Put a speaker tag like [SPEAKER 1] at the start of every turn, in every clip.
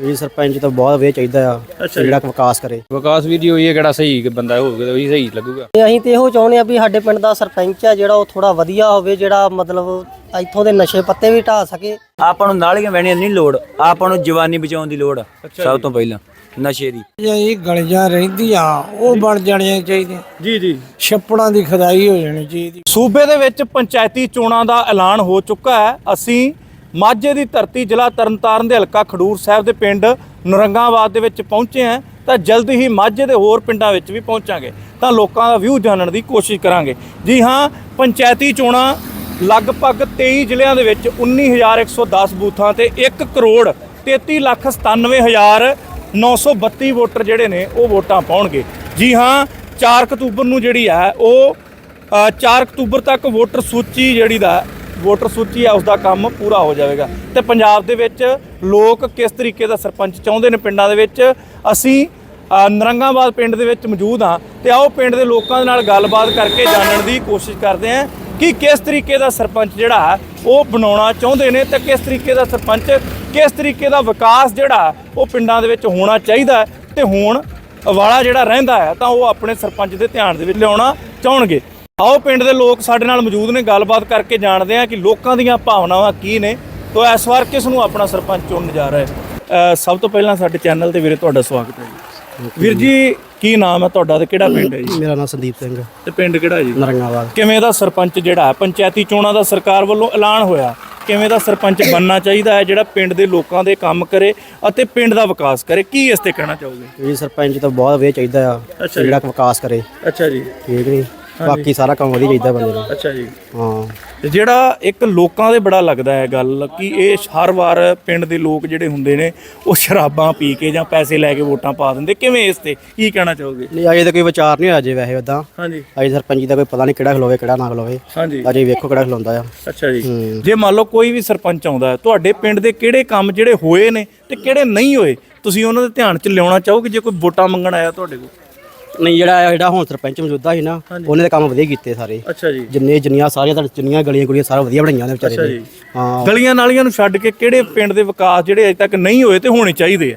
[SPEAKER 1] ਜੀ ਸਰਪੰਚ ਤਾਂ ਬਹੁਤ ਵੇ ਚਾਹੀਦਾ ਆ ਜਿਹੜਾ ਵਿਕਾਸ ਕਰੇ।
[SPEAKER 2] ਵਿਕਾਸ ਵੀਰ ਜੀ ਉਹੀ ਹੈ ਕਿਹੜਾ ਸਹੀ ਬੰਦਾ ਹੋਊਗਾ ਉਹੀ ਸਹੀ ਲੱਗੂਗਾ।
[SPEAKER 1] ਅਸੀਂ ਤੇ ਇਹੋ ਚਾਹੁੰਦੇ ਆ ਵੀ ਸਾਡੇ ਪਿੰਡ ਦਾ ਸਰਪੰਚ ਆ ਜਿਹੜਾ ਉਹ ਥੋੜਾ ਵਧੀਆ ਹੋਵੇ, ਜਿਹੜਾ ਮਤਲਬ ਇੱਥੋਂ ਦੇ ਨਸ਼ੇ ਪੱਤੇ ਵੀ ਢਾ ਸਕੇ।
[SPEAKER 3] ਆਪਾਂ ਨੂੰ ਨਾਲੀਆਂ ਵਹਿਣੀਆਂ ਨਹੀਂ ਲੋੜ, ਆਪਾਂ ਨੂੰ ਜਵਾਨੀ ਬਚਾਉਣ ਦੀ ਲੋੜ ਸਭ ਤੋਂ ਪਹਿਲਾਂ ਨਸ਼ੇ ਦੀ।
[SPEAKER 4] ਇਹ ਗਲੀਆਂ ਰਹਿੰਦੀਆਂ ਉਹ ਬਣ ਜਾਣੀਆਂ ਚਾਹੀਦੀਆਂ
[SPEAKER 5] ਜੀ
[SPEAKER 4] ਛੱਪੜਾਂ ਦੀ ਖੁਦਾਈ ਹੋ ਜਾਣੀ ਚਾਹੀਦੀ।
[SPEAKER 5] ਸੂਬੇ ਦੇ ਵਿੱਚ ਪੰਚਾਇਤੀ ਚੋਣਾਂ ਦਾ ਐਲਾਨ ਹੋ ਚੁੱਕਾ ਹੈ। ਅਸੀਂ ਮਾਝੇ ਦੀ ਧਰਤੀ ਜ਼ਿਲ੍ਹਾ ਤਰਨਤਾਰਨ ਦੇ ਹਲਕਾ ਖਡੂਰ ਸਾਹਿਬ ਦੇ ਪਿੰਡ ਨਰੰਗਾਬਾਦ ਦੇ ਵਿੱਚ ਪਹੁੰਚੇ ਹਾਂ ਤਾਂ ਜਲਦੀ ਹੀ ਮਾਝੇ ਦੇ ਹੋਰ ਪਿੰਡਾਂ ਵਿੱਚ ਵੀ ਪਹੁੰਚਾਂਗੇ ਤਾਂ ਲੋਕਾਂ ਦਾ ਵਿਊ ਜਾਣਨ ਦੀ ਕੋਸ਼ਿਸ਼ ਕਰਾਂਗੇ। ਜੀ ਹਾਂ, ਪੰਚਾਇਤੀ ਚੋਣਾਂ ਲਗਭਗ 23 ਜ਼ਿਲ੍ਹਿਆਂ ਦੇ ਵਿੱਚ 19,110 ਬੂਥਾਂ ਤੇ 1,33,97,932 ਵੋਟਰ ਜਿਹੜੇ ਨੇ ਉਹ ਵੋਟਾਂ ਪਾਉਣਗੇ। ਜੀ ਹਾਂ, 4 ਅਕਤੂਬਰ ਨੂੰ ਜਿਹੜੀ ਹੈ ਉਹ 4 ਅਕਤੂਬਰ ਤੱਕ ਵੋਟਰ ਸੂਚੀ ਹੈ ਉਸ ਦਾ ਕੰਮ ਪੂਰਾ ਹੋ ਜਾਵੇਗਾ। ਤੇ ਪੰਜਾਬ ਦੇ ਵਿੱਚ ਲੋਕ ਕਿਸ ਤਰੀਕੇ ਦਾ ਸਰਪੰਚ ਚਾਹੁੰਦੇ ਨੇ ਪਿੰਡਾਂ ਦੇ ਵਿੱਚ, ਅਸੀਂ ਨਰੰਗਾਬਾਦ ਪਿੰਡ ਦੇ ਵਿੱਚ ਮੌਜੂਦ ਹਾਂ ਤੇ ਆਓ ਪਿੰਡ ਦੇ ਲੋਕਾਂ ਦੇ ਨਾਲ ਗੱਲਬਾਤ ਕਰਕੇ ਜਾਣਨ ਦੀ ਕੋਸ਼ਿਸ਼ ਕਰਦੇ ਹਾਂ ਕਿ ਕਿਸ ਤਰੀਕੇ ਦਾ ਸਰਪੰਚ ਜਿਹੜਾ ਹੈ ਉਹ ਬਣਾਉਣਾ ਚਾਹੁੰਦੇ ਨੇ ਤੇ ਕਿਸ ਤਰੀਕੇ ਦਾ ਸਰਪੰਚ, ਕਿਸ ਤਰੀਕੇ ਦਾ ਵਿਕਾਸ ਜਿਹੜਾ ਉਹ ਪਿੰਡਾਂ ਦੇ ਵਿੱਚ ਹੋਣਾ ਚਾਹੀਦਾ ਤੇ ਹੋਣ ਵਾਲਾ ਜਿਹੜਾ ਰਹਿੰਦਾ ਹੈ ਤਾਂ ਉਹ ਆਪਣੇ ਸਰਪੰਚ ਦੇ ਧਿਆਨ ਦੇ ਵਿੱਚ ਲਿਆਉਣਾ ਚਾਹਣਗੇ। ਆਓ ਪਿੰਡ ਦੇ ਲੋਕ ਸਾਡੇ ਨਾਲ ਮੌਜੂਦ ਨੇ, ਗੱਲਬਾਤ ਕਰਕੇ ਜਾਣਦੇ ਹਾਂ ਕਿ ਲੋਕਾਂ ਦੀਆਂ ਭਾਵਨਾਵਾਂ ਕੀ ਨੇ ਤੋਂ ਇਸ ਵਾਰ ਕਿਸ ਨੂੰ ਆਪਣਾ ਸਰਪੰਚ ਚੁਣਨ ਜਾ ਰਿਹਾ ਹੈ। ਸਭ ਤੋਂ ਪਹਿਲਾਂ ਸਾਡੇ ਚੈਨਲ ਤੇ ਵੀਰੇ ਤੁਹਾਡਾ ਸਵਾਗਤ ਹੈ ਜੀ। ਵੀਰ ਜੀ, ਕੀ ਨਾਮ ਹੈ ਤੁਹਾਡਾ ਤੇ ਕਿਹੜਾ ਪਿੰਡ ਹੈ ਜੀ?
[SPEAKER 1] ਮੇਰਾ ਨਾਮ ਸੰਦੀਪ ਸਿੰਘ
[SPEAKER 5] ਤੇ ਪਿੰਡ ਕਿਹੜਾ ਜੀ?
[SPEAKER 1] ਨਰੰਗਾਬਾਦ।
[SPEAKER 5] ਕਿਵੇਂ ਦਾ ਸਰਪੰਚ ਜਿਹੜਾ ਹੈ, ਪੰਚਾਇਤੀ ਚੋਣਾਂ ਦਾ ਸਰਕਾਰ ਵੱਲੋਂ ਐਲਾਨ ਹੋਇਆ, ਕਿਵੇਂ ਦਾ ਸਰਪੰਚ ਬਣਨਾ ਚਾਹੀਦਾ ਹੈ ਜਿਹੜਾ ਪਿੰਡ ਦੇ ਲੋਕਾਂ ਦੇ ਕੰਮ ਕਰੇ ਅਤੇ ਪਿੰਡ ਦਾ ਵਿਕਾਸ ਕਰੇ, ਕੀ ਇਸ ਤੇ ਕਹਿਣਾ ਚਾਹੋਗੇ?
[SPEAKER 1] ਜੀ ਸਰਪੰਚ ਤਾਂ ਬਹੁਤ ਵੇ ਚਾਹੀਦਾ ਆ ਜਿਹੜਾ ਵਿਕਾਸ ਕਰੇ।
[SPEAKER 5] ਅੱਛਾ ਜੀ,
[SPEAKER 1] ਠੀਕ ਨਹੀਂ, ਬਾਕੀ ਸਾਰਾ ਕੰਮ ਵਧੀਆ ਚਾਹੀਦਾ ਬੰਦੇ ਨੂੰ।
[SPEAKER 5] ਅੱਛਾ ਜੀ।
[SPEAKER 1] ਹਾਂ,
[SPEAKER 5] ਤੇ ਜਿਹੜਾ ਇੱਕ ਲੋਕਾਂ ਦੇ ਬੜਾ ਲੱਗਦਾ ਹੈ ਗੱਲ ਕਿ ਇਹ ਹਰ ਵਾਰ ਪਿੰਡ ਦੇ ਲੋਕ ਜਿਹੜੇ ਹੁੰਦੇ ਨੇ ਉਹ ਸ਼ਰਾਬਾਂ ਪੀ ਕੇ ਜਾਂ ਪੈਸੇ ਲੈ ਕੇ ਵੋਟਾਂ ਪਾ ਦਿੰਦੇ, ਕਿਵੇਂ ਇਸ ਤੇ ਕੀ ਕਹਿਣਾ ਚਾਹੋਗੇ?
[SPEAKER 1] ਨਹੀਂ ਅਜੇ ਤਾਂ ਕੋਈ ਵਿਚਾਰ ਨਹੀਂ ਹੋਇਆ ਜੇ ਵੈਸੇ ਉਦਾਂ।
[SPEAKER 5] ਹਾਂਜੀ।
[SPEAKER 1] ਅਜੇ ਸਰਪੰਚ ਦਾ ਕੋਈ ਪਤਾ ਨਹੀਂ ਕਿਹੜਾ ਖਲੋਵੇ ਕਿਹੜਾ ਨਾ ਖਲੋਵੇ।
[SPEAKER 5] ਹਾਂਜੀ।
[SPEAKER 1] ਅਜੇ ਵੇਖੋ ਕਿਹੜਾ ਖਲੋਂਦਾ ਆ।
[SPEAKER 5] ਅੱਛਾ ਜੀ। ਜੇ ਮੰਨ ਲਓ ਕੋਈ ਵੀ ਸਰਪੰਚ ਆਉਂਦਾ ਹੈ, ਤੁਹਾਡੇ ਪਿੰਡ ਦੇ ਕਿਹੜੇ ਕੰਮ ਜਿਹੜੇ ਹੋਏ ਨੇ ਤੇ ਕਿਹੜੇ ਨਹੀਂ ਹੋਏ ਤੁਸੀਂ ਉਹਨਾਂ ਦੇ ਧਿਆਨ 'ਚ ਲਿਆਉਣਾ ਚਾਹੋਗੇ ਜੇ ਕੋਈ ਵੋਟਾਂ ਮੰਗਣ ਆਇਆ ਤੁਹਾਡੇ ਕੋਲ?
[SPEAKER 1] ਨਹੀਂ, ਜਿਹੜਾ ਹੁਣ ਸਰਪੰਚ ਮੌਜੂਦਾ ਸੀ ਨਾ ਉਹਨੇ ਤਾਂ ਕੰਮ ਵਧੀਆ ਕੀਤੇ ਸਾਰੇ।
[SPEAKER 5] ਅੱਛਾ ਜੀ।
[SPEAKER 1] ਜਿੰਨੀਆਂ ਸਾਰੀਆਂ ਜਿੰਨੀਆਂ ਗਲੀਆਂ ਗੁਲੀਆਂ ਸਾਰਾ ਵਧੀਆ ਬਣਾਈਆਂ ਨੇ ਵਿਚਾਰੇ ਨੇ। ਹਾਂ,
[SPEAKER 5] ਗਲੀਆਂ ਨਾਲੀਆਂ ਨੂੰ ਛੱਡ ਕੇ ਕਿਹੜੇ ਪਿੰਡ ਦੇ ਵਿਕਾਸ ਜਿਹੜੇ ਅਜੇ ਤੱਕ ਨਹੀਂ ਹੋਏ ਤੇ ਹੋਣੇ ਚਾਹੀਦੇ ਆ?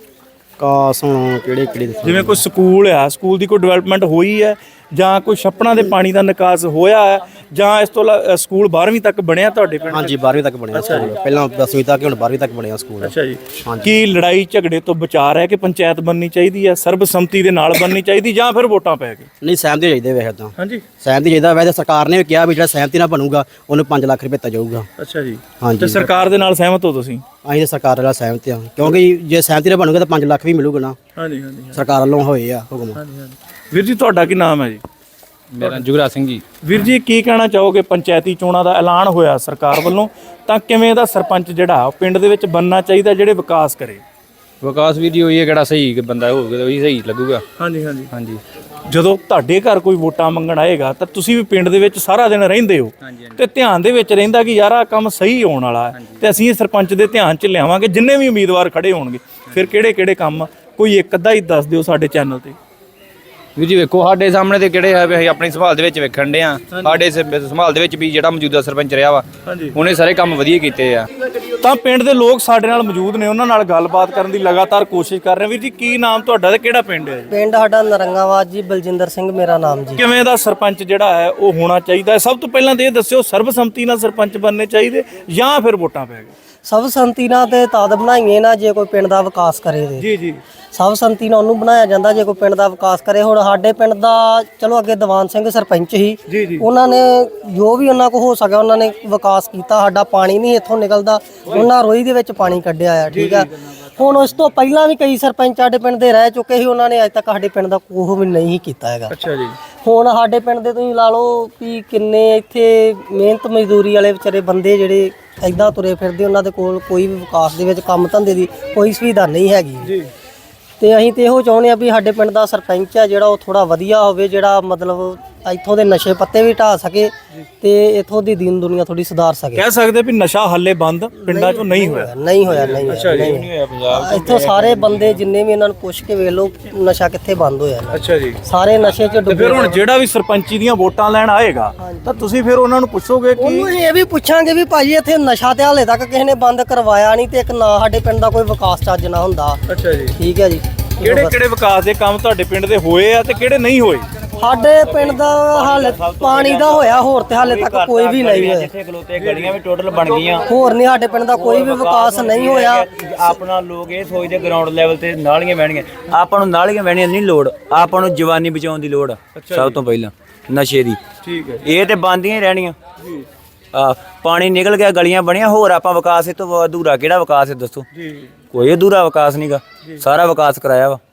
[SPEAKER 1] ਕਾਸ ਹੁਣ ਕਿਹੜੇ
[SPEAKER 5] ਜਿਵੇਂ ਕੋਈ ਸਕੂਲ ਆ, ਸਕੂਲ ਦੀ ਕੋਈ ਡਿਵੈਲਪਮੈਂਟ ਹੋਈ ਹੈ ਜਾਂ ਕੋਈ ਛੱਪੜਾਂ ਦੇ ਪਾਣੀ ਦਾ ਨਿਕਾਸ ਹੋਇਆ ਹੈ ਜਾਂ ਇਸ ਤੋਂ ਸਕੂਲ 12ਵੀਂ ਤੱਕ ਬਣਿਆ ਤੁਹਾਡੇ ਪਿੰਡ?
[SPEAKER 1] ਹਾਂਜੀ, 12ਵੀਂ ਤੱਕ ਬਣਿਆ ਸਕੂਲ, ਪਹਿਲਾਂ 10ਵੀਂ ਤੱਕ ਹੁਣ 12ਵੀਂ ਤੱਕ ਬਣਿਆ ਸਕੂਲ।
[SPEAKER 5] ਅੱਛਾ ਜੀ। ਕੀ ਲੜਾਈ ਝਗੜੇ ਤੋਂ ਵਿਚਾਰ ਹੈ ਕਿ ਪੰਚਾਇਤ ਬਣਨੀ ਚਾਹੀਦੀ ਹੈ, ਸਰਬਸੰਮਤੀ ਦੇ ਨਾਲ ਬਣਨੀ ਚਾਹੀਦੀ ਜਾਂ ਫਿਰ ਵੋਟਾਂ ਪੈ ਕੇ?
[SPEAKER 1] ਨਹੀਂ, ਸਹਿਮਤੀ ਚਾਹੀਦੇ ਵੈਸੇ ਤਾਂ।
[SPEAKER 5] ਹਾਂਜੀ,
[SPEAKER 1] ਸਹਿਮਤੀ ਚਾਹੀਦਾ। ਵੈਸੇ ਸਰਕਾਰ ਨੇ ਵੀ ਕਿਹਾ ਵੀ ਜਿਹੜਾ ਸਹਿਮਤੀ ਨਾਲ ਬਣੂਗਾ ਉਹਨੂੰ 5 ਲੱਖ ਰੁਪਏ ਦਿੱਤਾ ਜਾਊਗਾ।
[SPEAKER 5] ਅੱਛਾ ਜੀ।
[SPEAKER 1] ਹਾਂਜੀ।
[SPEAKER 5] ਤੇ ਸਰਕਾਰ ਦੇ ਨਾਲ ਸਹਿਮਤ ਹੋ ਤੁਸੀਂ?
[SPEAKER 1] ਅਸੀਂ ਤਾਂ ਸਰਕਾਰ ਨਾਲ ਸਹਿਮਤ ਹਾਂ ਕਿਉਂਕਿ ਜੇ ਸਹਿਮਤੀ ਨਾਲ ਬਣੂਗਾ ਤਾਂ 5 ਲੱਖ ਵੀ ਮਿਲੂਗਾ ਨਾ।
[SPEAKER 5] ਹਾਂਜੀ ਹਾਂਜੀ
[SPEAKER 1] ਸਰਕਾਰ ਵੱਲੋਂ ਹੋਏ ਆ ਹੁਕਮ।
[SPEAKER 5] ਹਾਂਜੀ ਹਾਂਜੀ। ਵੀਰ ਜੀ, ਤੁਹਾਡਾ ਕੀ ਨਾਮ ਹੈ ਜੀ?
[SPEAKER 2] ਮੇਰਾ ਜੁਗਰਾਜ ਸਿੰਘ ਜੀ।
[SPEAKER 5] ਵੀਰ ਜੀ, ਕੀ ਕਹਿਣਾ ਚਾਹੋਗੇ? ਪੰਚਾਇਤੀ ਚੋਣਾਂ ਦਾ ਐਲਾਨ ਹੋਇਆ ਸਰਕਾਰ ਵੱਲੋਂ ਤਾਂ ਕਿਵੇਂ ਦਾ ਸਰਪੰਚ ਜਿਹੜਾ ਪਿੰਡ ਦੇ ਵਿੱਚ ਬਣਨਾ ਚਾਹੀਦਾ ਜਿਹੜੇ ਵਿਕਾਸ ਕਰੇ?
[SPEAKER 2] ਵਿਕਾਸ ਵੀਰ ਜੀ ਉਹੀ ਹੈ ਕਿਹੜਾ ਸਹੀ ਬੰਦਾ ਹੋਊਗਾ ਉਹੀ ਸਹੀ ਲੱਗੂਗਾ।
[SPEAKER 5] ਹਾਂਜੀ ਹਾਂਜੀ
[SPEAKER 2] ਹਾਂਜੀ।
[SPEAKER 5] ਜਦੋਂ ਤੁਹਾਡੇ ਘਰ ਕੋਈ ਵੋਟਾਂ ਮੰਗਣ ਆਏਗਾ ਤਾਂ ਤੁਸੀਂ ਵੀ ਪਿੰਡ ਦੇ ਵਿੱਚ ਸਾਰਾ ਦਿਨ ਰਹਿੰਦੇ ਹੋ ਤੇ ਧਿਆਨ ਦੇ ਵਿੱਚ ਰਹਿੰਦਾ ਕਿ ਯਾਰ ਆਹ ਕੰਮ ਸਹੀ ਹੋਣ ਵਾਲਾ ਹੈ ਤੇ ਅਸੀਂ ਇਹ ਸਰਪੰਚ ਦੇ ਧਿਆਨ 'ਚ ਲਿਆਵਾਂਗੇ ਜਿੰਨੇ ਵੀ ਉਮੀਦਵਾਰ ਖੜੇ ਹੋਣਗੇ। ਫਿਰ ਕਿਹੜੇ ਕਿਹੜੇ ਕੰਮ ਕੋਈ ਇੱਕ ਅੱਧਾ ਹੀ ਦੱਸ ਦਿਓ ਸਾਡੇ ਚੈਨਲ ਤੇ।
[SPEAKER 2] ਵੀਰ ਜੀ ਵੇਖੋ ਸਾਡੇ ਸਾਹਮਣੇ ਤੇ ਕਿਹੜੇ ਹੈ ਵੀ ਅਸੀਂ ਆਪਣੀ ਸੰਭਾਲ ਦੇ ਵਿੱਚ ਵੇਖਣ ਦੇ ਆ। ਸਾਡੇ ਸੰਭਾਲ ਦੇ ਵਿੱਚ ਵੀ ਜਿਹੜਾ ਮੌਜੂਦਾ ਸਰਪੰਚ ਰਿਹਾ ਵਾ ਉਹਨੇ ਸਾਰੇ ਕੰਮ ਵਧੀਆ ਕੀਤੇ ਆ।
[SPEAKER 5] ਤਾਂ ਪਿੰਡ ਦੇ ਲੋਕ ਸਾਡੇ ਨਾਲ ਮੌਜੂਦ ਨੇ, ਉਹਨਾਂ ਨਾਲ ਗੱਲਬਾਤ ਕਰਨ ਦੀ ਲਗਾਤਾਰ ਕੋਸ਼ਿਸ਼ ਕਰ ਰਹੇ। ਵੀਰ ਜੀ, ਕੀ ਨਾਮ ਤੁਹਾਡਾ ਤੇ ਕਿਹੜਾ ਪਿੰਡ ਹੈ ਜੀ?
[SPEAKER 1] ਪਿੰਡ ਸਾਡਾ ਨਰੰਗਾਬਾਦ ਜੀ, ਬਲਜਿੰਦਰ ਸਿੰਘ ਮੇਰਾ ਨਾਮ ਜੀ।
[SPEAKER 5] ਕਿਵੇਂ ਦਾ ਸਰਪੰਚ ਜਿਹੜਾ ਹੈ ਉਹ ਹੋਣਾ ਚਾਹੀਦਾ ਹੈ? ਸਭ ਤੋਂ ਪਹਿਲਾਂ ਤਾਂ ਇਹ ਦੱਸਿਓ, ਸਰਬਸੰਮਤੀ ਨਾਲ ਸਰਪੰਚ ਬਣਨੇ ਚਾਹੀਦੇ ਜਾਂ ਫਿਰ ਵੋਟਾਂ ਪੈ ਗਏ?
[SPEAKER 1] ਸਭ ਸੰਮਤੀ ਨਾਲ ਤੇ ਤਦ ਬਣਾਈਏ ਨਾ ਜੇ ਕੋਈ ਪਿੰਡ ਦਾ ਵਿਕਾਸ ਕਰੇ ਤੇ।
[SPEAKER 5] ਜੀ ਜੀ।
[SPEAKER 1] ਸਭ ਸੰਮਤੀ ਨਾਲ ਉਹਨੂੰ ਬਣਾਇਆ ਜਾਂਦਾ ਜੇ ਕੋਈ ਪਿੰਡ ਦਾ ਵਿਕਾਸ ਕਰੇ। ਹੁਣ ਸਾਡੇ ਪਿੰਡ ਦਾ ਚਲੋ ਅੱਗੇ ਦੀਵਾਨ ਸਿੰਘ ਸਰਪੰਚ ਸੀ, ਉਹਨਾਂ ਨੇ ਜੋ ਵੀ ਉਹਨਾਂ ਕੋਲ ਹੋ ਸਕਿਆ ਉਹਨਾਂ ਨੇ ਵਿਕਾਸ ਕੀਤਾ। ਸਾਡਾ ਪਾਣੀ ਨਹੀਂ ਇੱਥੋਂ ਨਿਕਲਦਾ, ਉਹਨਾਂ ਰੋਈ ਦੇ ਵਿੱਚ ਪਾਣੀ ਕੱਢਿਆ ਆ। ਠੀਕ ਆ। ਹੁਣ ਉਸ ਤੋਂ ਪਹਿਲਾਂ ਵੀ ਕਈ ਸਰਪੰਚ ਸਾਡੇ ਪਿੰਡ ਦੇ ਰਹਿ ਚੁੱਕੇ ਸੀ, ਉਹਨਾਂ ਨੇ ਅੱਜ ਤੱਕ ਸਾਡੇ ਪਿੰਡ ਦਾ ਕੋਹ ਵੀ ਨਹੀਂ ਕੀਤਾ ਹੈਗਾ।
[SPEAKER 5] ਅੱਛਾ ਜੀ।
[SPEAKER 1] ਹੁਣ ਸਾਡੇ ਪਿੰਡ ਦੇ ਤੁਸੀਂ ਲਾ ਲਓ ਵੀ ਕਿੰਨੇ ਇੱਥੇ ਮਿਹਨਤ ਮਜ਼ਦੂਰੀ ਵਾਲੇ ਵਿਚਾਰੇ ਬੰਦੇ ਜਿਹੜੇ ਐਦਾਂ ਤੁਰੇ ਫਿਰਦੇ, ਉਹਨਾਂ ਦੇ ਕੋਲ ਕੋਈ ਵੀ ਵਿਕਾਸ ਦੇ ਵਿੱਚ ਕੰਮ ਧੰਦੇ ਦੀ ਕੋਈ ਸੁਵਿਧਾ ਨਹੀਂ ਹੈਗੀ ਜੀ। ਤੇ ਅਸੀਂ ਤੇ ਇਹੋ ਚਾਹੁੰਦੇ ਆ ਵੀ ਸਾਡੇ ਪਿੰਡ ਦਾ ਸਰਪੰਚ ਆ ਜਿਹੜਾ ਉਹ ਥੋੜਾ ਵਧੀਆ ਹੋਵੇ, ਜਿਹੜਾ ਮਤਲਬ ਇੱਥੋਂ ਦੇ ਨਸ਼ੇ ਪੱਤੇ ਵੀ ਢਾ ਸਕੇ ਤੇ ਇੱਥੋਂ ਦੀ ਦੀਨ ਦੁਨੀਆ ਥੋੜੀ ਸੁਧਾਰ ਸਕੇ।
[SPEAKER 5] ਕਹਿ ਸਕਦੇ ਵੀ ਨਸ਼ਾ ਹੱਲੇ ਬੰਦ ਪਿੰਡਾਂ 'ਚੋਂ ਨਹੀਂ ਹੋਇਆ।
[SPEAKER 1] ਨਹੀਂ ਹੋਇਆ ਇੱਥੋਂ ਸਾਰੇ ਬੰਦੇ ਜਿੰਨੇ ਵੀ ਇਹਨਾਂ ਨੂੰ ਪੁੱਛ ਕੇ ਵੇਖ ਲਓ ਨਸ਼ਾ ਕਿੱਥੇ ਬੰਦ ਹੋਇਆ।
[SPEAKER 5] ਅੱਛਾ ਜੀ।
[SPEAKER 1] ਸਾਰੇ ਨਸ਼ੇ 'ਚ
[SPEAKER 5] ਤੇ
[SPEAKER 1] ਡੁੱਬੇ।
[SPEAKER 5] ਫਿਰ ਹੁਣ ਜਿਹੜਾ ਵੀ ਸਰਪੰਚੀ ਦੀਆਂ ਵੋਟਾਂ ਲੈਣ ਆਏਗਾ ਤਾਂ ਤੁਸੀਂ ਫਿਰ ਉਹਨਾਂ ਨੂੰ ਪੁੱਛੋਗੇ ਕਿ
[SPEAKER 1] ਉਹਨੂੰ ਇਹ ਵੀ ਪੁੱਛਾਂਗੇ ਵੀ ਭਾਜੀ ਇੱਥੇ ਨਸ਼ਾ ਤੇ ਹਾਲੇ ਤੱਕ ਕਿਸੇ ਨੇ ਬੰਦ ਕਰਵਾਇਆ ਨਹੀਂ ਤੇ ਇੱਕ ਨਾ ਸਾਡੇ ਪਿੰਡ ਦਾ ਕੋਈ ਵਿਕਾਸ ਚੱਜ ਨਾ ਹੁੰਦਾ।
[SPEAKER 5] ਅੱਛਾ ਜੀ।
[SPEAKER 1] ਠੀਕ ਹੈ ਜੀ।
[SPEAKER 5] ਕਿਹੜੇ ਵਿਕਾਸ ਦੇ ਕੰਮ ਤੁਹਾਡੇ ਪਿੰਡ ਦੇ ਹੋਏ ਆ ਤੇ ਕਿਹੜੇ ਨਹੀਂ ਹੋਏ?
[SPEAKER 1] ਸਾਡੇ ਪਿੰਡ ਦਾ ਹਾਲੇ ਪਾਣੀ ਦਾ ਹੋਇਆ, ਹੋਰ ਤੇ ਹਾਲੇ ਤੱਕ ਕੋਈ ਵੀ ਨਹੀਂ ਹੋਇਆ।
[SPEAKER 3] ਜਿੱਥੇ ਖਲੋਤੇ ਗਲੀਆਂ ਵੀ ਟੋਟਲ ਬਣ ਗਈਆਂ।
[SPEAKER 1] ਹੋਰ ਨਹੀਂ ਸਾਡੇ ਪਿੰਡ ਦਾ ਕੋਈ ਵੀ ਵਿਕਾਸ ਨਹੀਂ ਹੋਇਆ।
[SPEAKER 3] ਆਪਣਾ ਲੋਕ ਇਹ ਸੋਚਦੇ ਗਰਾਊਂਡ ਲੈਵਲ ਤੇ ਨਾਲੀਆਂ ਬਹਿਣੀਆਂ। ਆਪਾਂ ਨੂੰ ਨਾਲੀਆਂ ਬਹਿਣੀਆਂ ਨਹੀਂ ਲੋੜ, ਆਪਾਂ ਨੂੰ ਜਵਾਨੀ ਬਚਾਉਣ ਦੀ ਲੋੜ ਆ ਸਭ ਤੋਂ ਪਹਿਲਾਂ ਨਸ਼ੇ ਦੀ।
[SPEAKER 5] ਠੀਕ ਹੈ।
[SPEAKER 3] ਇਹ ਤੇ ਬੰਦੀਆਂ ਹੀ ਰਹਿਣੀਆਂ। ਪਾਣੀ ਨਿਕਲ ਗਿਆ, ਗਲੀਆਂ ਬਣੀਆਂ, ਹੋਰ ਆਪਾਂ ਵਿਕਾਸ ਇਹ ਤੋਂ ਅਧੂਰਾ ਕਿਹੜਾ ਵਿਕਾਸ ਹੈ ਦੱਸੋ? ਕੋਈ ਅਧੂਰਾ ਵਿਕਾਸ ਨਹੀਂਗਾ, ਸਾਰਾ ਵਿਕਾਸ ਕਰਾਇਆ ਵਾ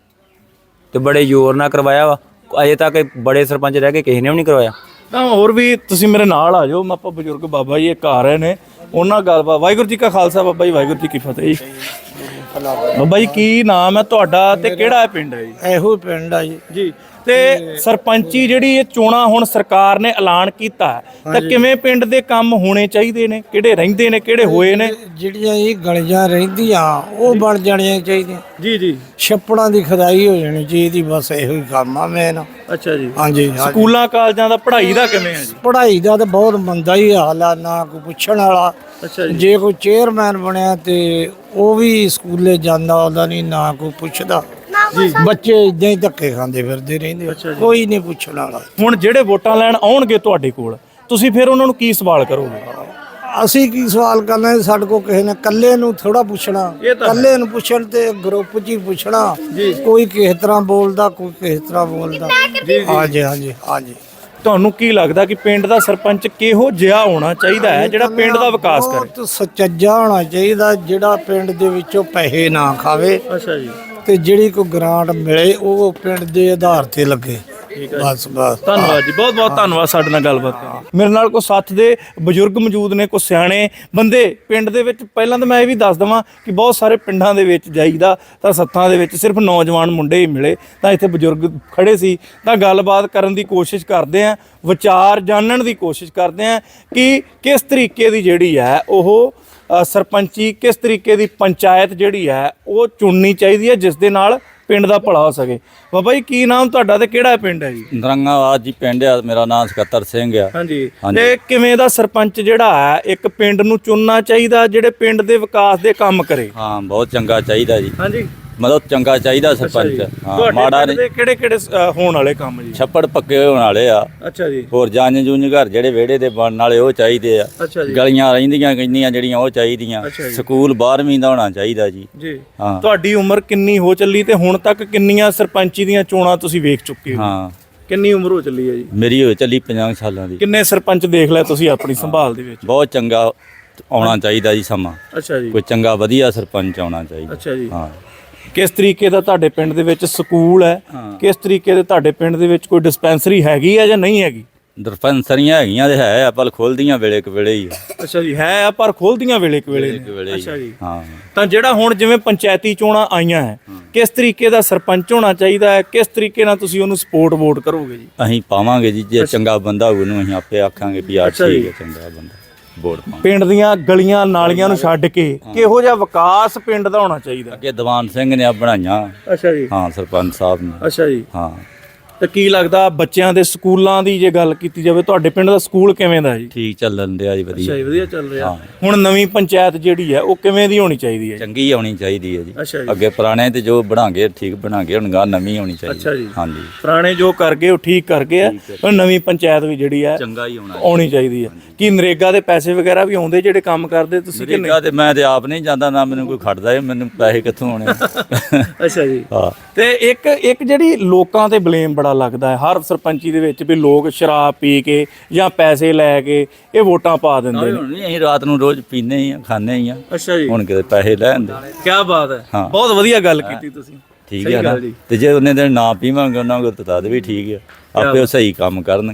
[SPEAKER 3] ਤੇ ਬੜੇ ਜ਼ੋਰ ਨਾਲ ਕਰਵਾਇਆ ਵਾ। ਅਜੇ ਤੱਕ ਬੜੇ ਸਰਪੰਚ ਰਹਿ ਕੇ ਕਿਸੇ ਨੇ ਵੀ ਨਹੀਂ ਕਰਵਾਇਆ।
[SPEAKER 5] ਤਾਂ ਹੋਰ ਵੀ ਤੁਸੀਂ ਮੇਰੇ ਨਾਲ ਆ ਜਾਓ। ਆਪਾਂ ਬਜ਼ੁਰਗ ਬਾਬਾ ਜੀ ਇੱਕ ਆ ਰਹੇ ਨੇ, ਉਹਨਾਂ ਗੱਲਬਾਤ। ਵਾਹਿਗੁਰੂ ਜੀ ਕਾ ਖਾਲਸਾ, ਬਾਬਾ ਜੀ ਵਾਹਿਗੁਰੂ ਜੀ ਕੀ ਫਤਿਹ ਜੀ। ਬਾਬਾ ਜੀ ਕੀ ਨਾਮ ਹੈ ਤੁਹਾਡਾ ਤੇ ਕਿਹੜਾ ਪਿੰਡ ਹੈ ਜੀ?
[SPEAKER 4] ਇਹੋ ਪਿੰਡ ਆ ਜੀ।
[SPEAKER 5] ਜੀ। ਤੇ ਸਰਪੰਚੀ ਜਿਹੜੀ ਇਹ ਚੋਣਾਂ ਹੁਣ ਸਰਕਾਰ ਨੇ ਐਲਾਨ ਕੀਤਾ ਤਾਂ ਕਿਵੇਂ ਪਿੰਡ ਦੇ ਕੰਮ ਹੋਣੇ ਚਾਹੀਦੇ ਨੇ? ਕਿਹੜੇ ਰਹਿੰਦੇ ਨੇ, ਕਿਹੜੇ ਹੋਏ ਨੇ?
[SPEAKER 4] ਜਿਹੜੀਆਂ ਇਹ ਗਲੀਆਂ ਰਹਿੰਦੀਆਂ ਉਹ ਬਣ ਜਾਣੀਆਂ ਚਾਹੀਦੀਆਂ।
[SPEAKER 5] ਜੀ ਜੀ।
[SPEAKER 4] ਛੱਪੜਾਂ ਦੀ ਖੁਦਾਈ ਹੋ ਜਾਣੀ ਚਾਹੀਦੀ, ਬਸ ਇਹੋ ਹੀ ਕੰਮ ਆ ਮੇਨ।
[SPEAKER 5] ਅੱਛਾ ਜੀ।
[SPEAKER 4] ਹਾਂਜੀ।
[SPEAKER 5] ਸਕੂਲਾਂ ਕਾਲਜਾਂ ਦਾ ਪੜ੍ਹਾਈ ਦਾ ਕਿਵੇਂ ਹੈ ਜੀ?
[SPEAKER 4] ਪੜ੍ਹਾਈ ਦਾ ਤਾਂ ਬਹੁਤ ਮੰਦਾ ਹੀ ਹਾਲ ਆ, ਨਾ ਕੋਈ ਪੁੱਛਣ ਵਾਲਾ।
[SPEAKER 5] ਅੱਛਾ ਜੀ।
[SPEAKER 4] ਜੇ ਕੋਈ ਚੇਅਰਮੈਨ ਬਣਿਆ ਤੇ ਉਹ ਵੀ ਸਕੂਲੇ ਜਾਂਦਾ ਉਹਦਾ ਨਹੀਂ, ਨਾ ਕੋਈ ਪੁੱਛਦਾ। ਬੱਚੇ ਇਦਾਂ ਹੀ ਧੱਕੇ ਖਾਂਦੇ ਫਿਰਦੇ ਰਹਿੰਦੇ, ਕੋਈ ਨਹੀਂ ਪੁੱਛਣ ਵਾਲਾ।
[SPEAKER 5] ਹੁਣ ਜਿਹੜੇ ਵੋਟਾਂ ਲੈਣ ਆਉਣਗੇ ਤੁਹਾਡੇ ਕੋਲ, ਤੁਸੀਂ ਫਿਰ ਉਹਨਾਂ ਨੂੰ ਕੀ ਸਵਾਲ ਕਰੋਗੇ?
[SPEAKER 4] ਅਸੀਂ ਕੀ ਸਵਾਲ ਕਰਨਾ? ਸਾਡੇ ਕੋਲ ਕਿਸੇ ਨੇ ਇਕੱਲੇ ਨੂੰ ਥੋੜਾ ਪੁੱਛਣਾ, ਇਕੱਲੇ ਨੂੰ ਪੁੱਛਣ ਤੇ ਗਰੁੱਪ 'ਚ ਹੀ ਪੁੱਛਣਾ। ਕੋਈ ਕਿਸ ਤਰ੍ਹਾਂ ਬੋਲਦਾ, ਕੋਈ ਕਿਸ ਤਰ੍ਹਾਂ ਬੋਲਦਾ। ਹਾਂਜੀ ਹਾਂਜੀ ਹਾਂਜੀ।
[SPEAKER 5] ਤੁਹਾਨੂੰ ਕੀ ਲੱਗਦਾ ਕਿ ਪਿੰਡ ਦਾ ਸਰਪੰਚ ਕਿਹੋ ਜਿਹਾ ਹੋਣਾ ਚਾਹੀਦਾ ਹੈ ਜਿਹੜਾ ਪਿੰਡ ਦਾ ਵਿਕਾਸ ਕਰੇ?
[SPEAKER 4] ਬਹੁਤ ਸੁਚੱਜਾ ਹੋਣਾ ਚਾਹੀਦਾ, ਜਿਹੜਾ ਪਿੰਡ ਦੇ ਵਿੱਚੋਂ ਪੈਸੇ ਨਾ ਖਾਵੇ।
[SPEAKER 5] ਅੱਛਾ ਜੀ।
[SPEAKER 4] ਤੇ ਜਿਹੜੀ ਕੋਈ ਗ੍ਰਾਂਟ ਮਿਲੇ ਉਹ ਪਿੰਡ ਦੇ ਆਧਾਰ ਤੇ ਲੱਗੇ। ਬਸ ਬਸ।
[SPEAKER 5] ਧੰਨਵਾਦ ਜੀ, ਬਹੁਤ ਬਹੁਤ ਧੰਨਵਾਦ ਸਾਡੇ ਨਾਲ ਗੱਲਬਾਤ ਕਰਨ। ਮੇਰੇ ਨਾਲ ਕੋਈ ਸਾਥ ਦੇ ਬਜ਼ੁਰਗ ਮੌਜੂਦ ਨੇ, ਕੋਈ ਸਿਆਣੇ ਬੰਦੇ ਪਿੰਡ ਦੇ ਵਿੱਚ। ਪਹਿਲਾਂ ਤਾਂ ਮੈਂ ਇਹ ਵੀ ਦੱਸ ਦਵਾਂ ਕਿ ਬਹੁਤ ਸਾਰੇ ਪਿੰਡਾਂ ਦੇ ਵਿੱਚ ਜਾਈਦਾ ਤਾਂ ਸੱਥਾਂ ਦੇ ਵਿੱਚ ਸਿਰਫ ਨੌਜਵਾਨ ਮੁੰਡੇ ਹੀ ਮਿਲੇ, ਤਾਂ ਇੱਥੇ ਬਜ਼ੁਰਗ ਖੜੇ ਸੀ। ਤਾਂ ਗੱਲਬਾਤ ਕਰਨ ਦੀ ਕੋਸ਼ਿਸ਼ ਕਰਦੇ ਆਂ, ਵਿਚਾਰ ਜਾਣਨ ਦੀ ਕੋਸ਼ਿਸ਼ ਕਰਦੇ ਆਂ ਕਿ ਕਿਸ ਤਰੀਕੇ ਦੀ ਜਿਹੜੀ ਹੈ ਉਹ ਸਰਪੰਚੀ, ਕਿਸ ਤਰੀਕੇ ਦੀ ਪੰਚਾਇਤ ਜਿਹੜੀ ਹੈ ਉਹ ਚੁਣਨੀ ਚਾਹੀਦੀ ਹੈ ਜਿਸ ਦੇ ਨਾਲ ਪਿੰਡ ਦਾ ਭਲਾ ਹੋ ਸਕੇ। ਬਾਬਾ ਜੀ ਕੀ ਨਾਮ ਤੁਹਾਡਾ ਤੇ ਕਿਹੜਾ ਪਿੰਡ ਹੈ ਜੀ?
[SPEAKER 6] ਨਰੰਗਾਵਾਦ ਜੀ ਪਿੰਡ ਆ ਮੇਰਾ। ਨਾਮ ਸਕੱਤਰ ਸਿੰਘ ਆ।
[SPEAKER 5] ਹਾਂਜੀ। ਤੇ ਕਿਵੇਂ ਦਾ ਸਰਪੰਚ ਜਿਹੜਾ ਹੈ ਇੱਕ ਪਿੰਡ ਨੂੰ ਚੁਣਨਾ ਚਾਹੀਦਾ ਜਿਹੜੇ ਪਿੰਡ ਦੇ ਵਿਕਾਸ ਦੇ ਕੰਮ ਕਰੇ?
[SPEAKER 6] ਹਾਂ ਬਹੁਤ ਚੰਗਾ ਚਾਹੀਦਾ ਜੀ,
[SPEAKER 5] ਹਾਂਜੀ।
[SPEAKER 6] ਮਤਲਬ ਚੰਗਾ ਚਾਹੀਦਾ ਸਰਪੰਚ। ਹਾਂ ਮਾੜਾ ਨਹੀਂ।
[SPEAKER 5] ਕਿਹੜੇ ਕਿਹੜੇ ਹੋਣ ਵਾਲੇ ਕੰਮ ਜੀ?
[SPEAKER 6] ਛੱਪੜ ਪੱਕੇ ਹੋਣ ਵਾਲੇ ਆ।
[SPEAKER 5] ਅੱਛਾ ਜੀ।
[SPEAKER 6] ਹੋਰ ਜੰਜ ਜੁੰਜ ਘਰ ਜਿਹੜੇ ਵਿਹੜੇ ਦੇ ਬਣਨ ਵਾਲੇ ਉਹ ਚਾਹੀਦੇ ਆ।
[SPEAKER 5] ਅੱਛਾ ਜੀ।
[SPEAKER 6] ਗਲੀਆਂ ਰਹਿੰਦੀਆਂ ਕਿੰਨੀਆਂ ਜਿਹੜੀਆਂ ਉਹ ਚਾਹੀਦੀਆਂ। ਸਕੂਲ 12ਵੀਂ ਦਾ ਹੋਣਾ ਚਾਹੀਦਾ ਜੀ।
[SPEAKER 5] ਜੀ।
[SPEAKER 6] ਹਾਂ।
[SPEAKER 5] ਤੁਹਾਡੀ ਉਮਰ ਕਿੰਨੀ ਹੋ ਚੱਲੀ ਤੇ ਹੁਣ ਤੱਕ ਕਿੰਨੀਆਂ ਸਰਪੰਚੀ ਦੀਆਂ ਚੋਣਾਂ ਤੁਸੀਂ ਵੇਖ ਚੁੱਕੇ ਹੋ?
[SPEAKER 6] ਹਾਂ।
[SPEAKER 5] ਕਿੰਨੀ ਉਮਰ ਹੋ ਚੱਲੀ ਹੈ ਜੀ?
[SPEAKER 6] ਮੇਰੀ ਹੋ ਚੱਲੀ 50 ਸਾਲਾਂ ਦੀ।
[SPEAKER 5] ਕਿੰਨੇ ਸਰਪੰਚ ਦੇਖ ਲਿਆ ਤੁਸੀਂ ਆਪਣੀ ਸੰਭਾਲ ਦੇ ਵਿੱਚ?
[SPEAKER 6] ਬਹੁਤ ਚੰਗਾ ਆਉਣਾ ਚਾਹੀਦਾ ਜੀ ਸਮਾਂ।
[SPEAKER 5] ਅੱਛਾ ਜੀ।
[SPEAKER 6] ਕੋਈ ਚੰਗਾ ਵਧੀਆ ਸਰਪੰਚ ਆਉਣਾ ਚਾਹੀਦਾ।
[SPEAKER 5] ਅੱਛਾ ਜੀ।
[SPEAKER 6] ਹਾਂ।
[SPEAKER 5] ਕਿਸ ਤਰੀਕੇ ਦਾ ਤੁਹਾਡੇ ਪਿੰਡ ਦੇ ਵਿੱਚ ਸਕੂਲ ਹੈ? ਕਿਸ ਤਰੀਕੇ ਦੇ ਤੁਹਾਡੇ ਪਿੰਡ ਦੇ ਵਿੱਚ ਕੋਈ ਡਿਸਪੈਂਸਰੀ ਹੈਗੀ ਹੈ ਜਾਂ ਨਹੀਂ ਹੈਗੀ?
[SPEAKER 6] ਡਿਸਪੈਂਸਰੀਆਂ ਹੈਗੀਆਂ ਤੇ ਹੈ ਆ, ਪਰ ਖੋਲਦੀਆਂ ਵੇਲੇ ਕੁ ਵੇਲੇ ਹੀ ਆ।
[SPEAKER 5] ਅੱਛਾ ਜੀ। ਹੈ ਆ ਪਰ ਖੋਲਦੀਆਂ ਵੇਲੇ ਕੁ ਵੇਲੇ
[SPEAKER 6] ਵੇਲੇ ਹੀ।
[SPEAKER 5] ਅੱਛਾ ਜੀ।
[SPEAKER 6] ਹਾਂ।
[SPEAKER 5] ਤਾਂ ਜਿਹੜਾ ਹੁਣ ਜਿਵੇਂ ਪੰਚਾਇਤੀ ਚੋਣਾਂ ਆਈਆਂ ਹੈ, ਕਿਸ ਤਰੀਕੇ ਦਾ ਸਰਪੰਚ ਹੋਣਾ ਚਾਹੀਦਾ ਹੈ? ਕਿਸ ਤਰੀਕੇ ਨਾਲ ਤੁਸੀਂ ਉਹਨੂੰ ਸਪੋਰਟ ਵੋਟ ਕਰੋਗੇ ਜੀ?
[SPEAKER 6] ਅਸੀਂ ਪਾਵਾਂਗੇ ਜੀ, ਜੇ ਚੰਗਾ ਬੰਦਾ ਹੋਊ ਉਹਨੂੰ ਅਸੀਂ ਆਪੇ ਆਖਾਂਗੇ ਵੀ ਆ ਠੀਕ ਹੈ ਚੰਗਾ ਬੰਦਾ ਵੋਟ ਪਾਵਾਂਗੇ।
[SPEAKER 5] ਪਿੰਡ ਦੀਆਂ ਗਲੀਆਂ ਨਾਲੀਆਂ ਨੂੰ ਛੱਡ ਕੇ ਕਿਹੋ ਜਿਹਾ ਵਿਕਾਸ ਪਿੰਡ ਦਾ ਹੋਣਾ ਚਾਹੀਦਾ?
[SPEAKER 6] ਅੱਗੇ ਦੀਵਾਨ ਸਿੰਘ ਨੇ ਆ ਬਣਾਈਆਂ।
[SPEAKER 5] ਅੱਛਾ ਜੀ।
[SPEAKER 6] ਹਾਂ ਸਰਪੰਚ ਸਾਹਿਬ ਨੇ।
[SPEAKER 5] ਅੱਛਾ ਜੀ।
[SPEAKER 6] ਹਾਂ।
[SPEAKER 5] ਤੇ ਕੀ ਲੱਗਦਾ ਬੱਚਿਆਂ ਦੇ ਸਕੂਲਾਂ ਦੀ ਜੇ ਗੱਲ ਕੀਤੀ ਜਾਵੇ, ਤੁਹਾਡੇ ਪਿੰਡ ਦਾ ਸਕੂਲ ਕਿਵੇਂ ਦਾ ਜੀ?
[SPEAKER 6] ਠੀਕ ਚੱਲਣ ਦਿਆ ਜੀ, ਵਧੀਆ।
[SPEAKER 5] ਅੱਛਾ ਜੀ, ਵਧੀਆ ਚੱਲ ਰਿਹਾ। ਹੁਣ ਨਵੀਂ ਪੰਚਾਇਤ ਜਿਹੜੀ ਹੈ ਉਹ ਕਿਵੇਂ ਦੀ ਹੋਣੀ ਚਾਹੀਦੀ ਹੈ?
[SPEAKER 6] ਚੰਗੀ ਆਉਣੀ ਚਾਹੀਦੀ ਹੈ ਜੀ।
[SPEAKER 5] ਅੱਛਾ ਜੀ।
[SPEAKER 6] ਅੱਗੇ ਪੁਰਾਣੇ ਤੇ ਜੋ ਬਣਾਗੇ ਠੀਕ ਬਣਾਗੇ, ਹੁਣ ਗਾ ਨਵੀਂ ਹੋਣੀ ਚਾਹੀਦੀ।
[SPEAKER 5] ਅੱਛਾ ਜੀ।
[SPEAKER 6] ਹਾਂਜੀ।
[SPEAKER 5] ਪੁਰਾਣੇ ਜੋ ਕਰ ਗਏ ਉਹ ਠੀਕ ਕਰ ਗਏ ਆ, ਪਰ ਨਵੀਂ ਪੰਚਾਇਤ ਵੀ ਜਿਹੜੀ ਹੈ
[SPEAKER 6] ਚੰਗਾ ਹੀ ਹੋਣਾ
[SPEAKER 5] ਆਉਣੀ ਚਾਹੀਦੀ ਹੈ। ਕੀ ਨਰੇਗਾ ਦੇ ਪੈਸੇ ਵਗੈਰਾ ਵੀ ਆਉਂਦੇ ਜਿਹੜੇ ਕੰਮ ਕਰਦੇ ਤੁਸੀਂ ਕਿ ਨਹੀਂ?
[SPEAKER 6] ਨਰੇਗਾ ਤੇ ਮੈਂ ਤੇ ਆਪ ਨਹੀਂ ਜਾਂਦਾ, ਨਾ ਮੈਨੂੰ ਕੋਈ ਖੜਦਾ ਹੈ, ਮੈਨੂੰ ਪੈਸੇ ਕਿੱਥੋਂ ਆਉਣੇ?
[SPEAKER 5] ਅੱਛਾ ਜੀ।
[SPEAKER 6] ਹਾਂ।
[SPEAKER 5] ਤੇ ਇੱਕ ਜਿਹੜੀ ਲੋਕਾਂ ਤੇ ਬਲੇਮ ਬੜਾ ਲੱਗਦਾ ਹੈ ਹਰ ਸਰਪੰਚੀ ਦੇ ਵਿੱਚ ਵੀ ਲੋਕ ਸ਼ਰਾਬ ਪੀ ਕੇ ਜਾਂ ਪੈਸੇ ਲੈ ਕੇ ਇਹ ਵੋਟਾਂ ਪਾ ਦਿੰਦੇ ਨੇ।
[SPEAKER 6] ਹੁਣ ਨਹੀਂ, ਅਸੀਂ ਰਾਤ ਨੂੰ ਰੋਜ਼ ਪੀਨੇ ਹੀ ਆ, ਖਾਣੇ ਹੀ ਆ।
[SPEAKER 5] ਅੱਛਾ ਜੀ।
[SPEAKER 6] ਹੁਣ ਕਿਤੇ ਪੈਸੇ ਲੈਂਦੇ।
[SPEAKER 5] ਕੀ ਬਾਤ ਹੈ।
[SPEAKER 6] ਹਾਂ।
[SPEAKER 5] ਬਹੁਤ ਵਧੀਆ ਗੱਲ ਕੀਤੀ ਤੁਸੀਂ।
[SPEAKER 6] ਠੀਕ ਹੈ ਨਾ। ਤੇ ਜੇ ਉਹਨੇ ਦਿਨ ਨਾ ਪੀਵਾਂਗੇ ਉਹਨਾਂ ਕੋਲ ਤਾਂ ਤਦ ਵੀ ਠੀਕ ਹੈ, ਆਪੇ ਉਹ ਸਹੀ ਕੰਮ ਕਰਨਗੇ।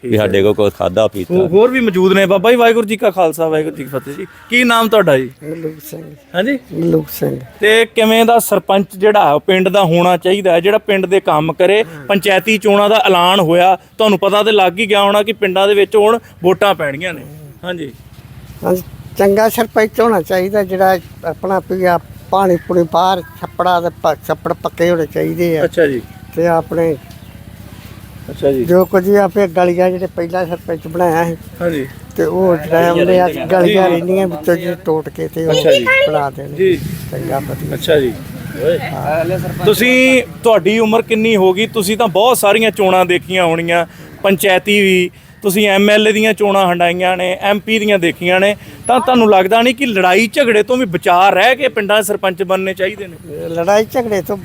[SPEAKER 6] ਵੀ ਸਾਡੇ ਕੋਲ ਕੁਛ ਖਾਦਾ ਪੀਤਾ।
[SPEAKER 5] ਹੋਰ ਵੀ ਮੌਜੂਦ ਨੇ ਬਾਬਾ ਜੀ। ਵਾਹਿਗੁਰੂ ਜੀ ਕਾ ਖਾਲਸਾ, ਵਾਹਿਗੁਰੂ ਜੀ ਕੀ ਫਤਿਹ ਜੀ। ਕੀ ਨਾਮ ਤੁਹਾਡਾ ਜੀ?
[SPEAKER 4] ਮਲੂਕ ਸਿੰਘ।
[SPEAKER 5] ਹਾਂਜੀ,
[SPEAKER 4] ਮਲੂਕ ਸਿੰਘ।
[SPEAKER 5] ਤੇ ਕਿਵੇਂ ਦਾ ਸਰਪੰਚ ਜਿਹੜਾ ਉਹ ਪਿੰਡ ਦਾ ਹੋਣਾ ਚਾਹੀਦਾ ਹੈ, ਜਿਹੜਾ ਪਿੰਡ ਦੇ ਕੰਮ ਕਰੇ? ਪੰਚਾਇਤੀ ਚੋਣਾਂ ਦਾ ਐਲਾਨ ਹੋਇਆ, ਤੁਹਾਨੂੰ ਪਤਾ ਤੇ ਲੱਗ ਹੀ ਗਿਆ ਹੋਣਾ ਕਿ ਪਿੰਡਾਂ ਦੇ ਵਿੱਚ ਹੁਣ ਵੋਟਾਂ ਪੈਣੀਆਂ ਨੇ। ਹਾਂਜੀ,
[SPEAKER 4] ਹਾਂਜੀ, ਚੰਗਾ ਸਰਪੰਚ ਹੋਣਾ ਚਾਹੀਦਾ ਜਿਹੜਾ ਆਪਣਾ ਪਿਆ ਪਾਣੀ ਪੂਣੀ ਬਾਹਰ ਛੱਪੜਾ ਦੇ ਛੱਪੜ ਪੱਕੇ ਹੋਣੇ ਚਾਹੀਦੇ ਆ।
[SPEAKER 5] ਅੱਛਾ ਜੀ,
[SPEAKER 4] ਤੇ ਆਪਣੇ
[SPEAKER 5] ਅੱਛਾ ਜੀ,
[SPEAKER 4] ਜੋ ਕੁਝ ਵੀ ਆਪੇ ਗਲੀਆਂ ਜਿਹੜੇ ਪਹਿਲਾਂ ਸਰਪੰਚ ਬਣਾਇਆ ਸੀ
[SPEAKER 5] ਹਾਂਜੀ
[SPEAKER 4] ਤੇ ਉਹ ਜਿਹੜਾ ਉਹਨੇ ਆ ਗਲੀਆਂ ਰਹਿੰਦੀਆਂ ਵਿੱਚੋਂ ਜੀ ਟੋਟ ਕੇ ਤੇ ਉਹ ਬਣਾ ਦੇਣ
[SPEAKER 5] ਜੀ।
[SPEAKER 4] ਚੰਗਾ ਵਧੀਆ।
[SPEAKER 5] ਅੱਛਾ ਜੀ, ਤੁਸੀਂ ਤੁਹਾਡੀ ਉਮਰ ਕਿੰਨੀ ਹੋ ਗਈ? ਤੁਸੀਂ ਤਾਂ ਬਹੁਤ ਸਾਰੀਆਂ ਚੋਣਾਂ ਦੇਖੀਆਂ ਹੋਣੀਆਂ, ਪੰਚਾਇਤੀ ਵੀ, ਤੁਸੀਂ ਐਮਐਲਏ ਦੀਆਂ ਚੋਣਾਂ ਹੰਡਾਈਆਂ ਨੇ, ਐਮਪੀ ਦੀਆਂ ਦੇਖੀਆਂ ਨੇ, ਤਾਂ ਤੁਹਾਨੂੰ ਲੱਗਦਾ ਨਹੀਂ ਕਿ ਲੜਾਈ ਝਗੜੇ ਤੋਂ ਵੀ ਬਚਾ ਰਹਿ ਕੇ ਪਿੰਡਾਂ ਦੇ ਸਰਪੰਚ ਬਣਨੇ ਚਾਹੀਦੇ ਨੇ?
[SPEAKER 4] ਲੜਾਈ ਝਗੜੇ ਤੋਂ